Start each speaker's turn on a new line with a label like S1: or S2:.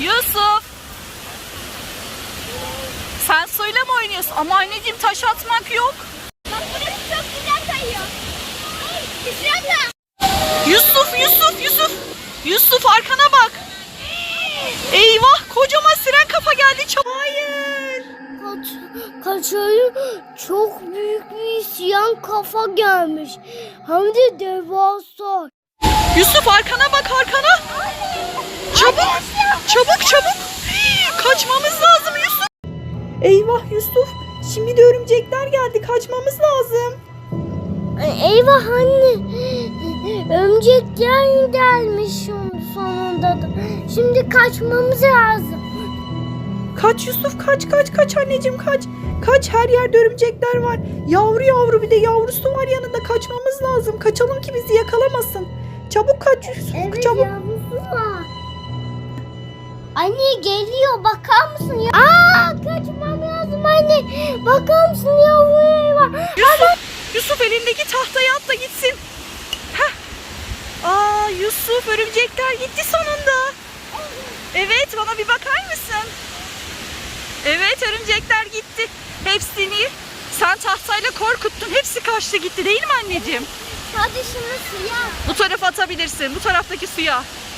S1: Yusuf. Sen suyla mı oynuyorsun? Ama anneciğim taş atmak yok.
S2: Bak burası çok güzel kayıyor. Düşüyorsun.
S1: Yusuf. Yusuf arkana bak. Eyvah, kocaman siren kafa geldi. Hayır.
S2: Kaçayım, çok büyük bir isyan kafa gelmiş. Hem de devasa.
S1: Yusuf arkana bak, arkana. Çabuk. Kaçmamız lazım Yusuf. Eyvah Yusuf. Şimdi de örümcekler geldi. Kaçmamız lazım.
S2: Eyvah anne. Örümcekler gelmiş sonunda da. Şimdi kaçmamız lazım.
S1: Kaç Yusuf, kaç anneciğim kaç. Kaç, her yerde örümcekler var. Yavru bir de yavrusu var yanında, kaçmamız lazım. Kaçalım ki bizi yakalamasın. Çabuk kaç Yusuf,
S2: Evet,
S1: çabuk.
S2: yavrusu var. Anne geliyor, bakar mısın ya? Kaçmam lazım anne. Bakar mısın, yavru var.
S1: Yusuf elindeki tahtaya at da gitsin. Heh. Yusuf, örümcekler gitti sonunda. Evet, bana bir bakar mısın? Evet, örümcekler gitti. Hepsini sen tahtayla korkuttun. Hepsi kaçtı gitti, değil mi anneciğim?
S2: Hadi şunu suya.
S1: Bu tarafa atabilirsin. Bu taraftaki suya.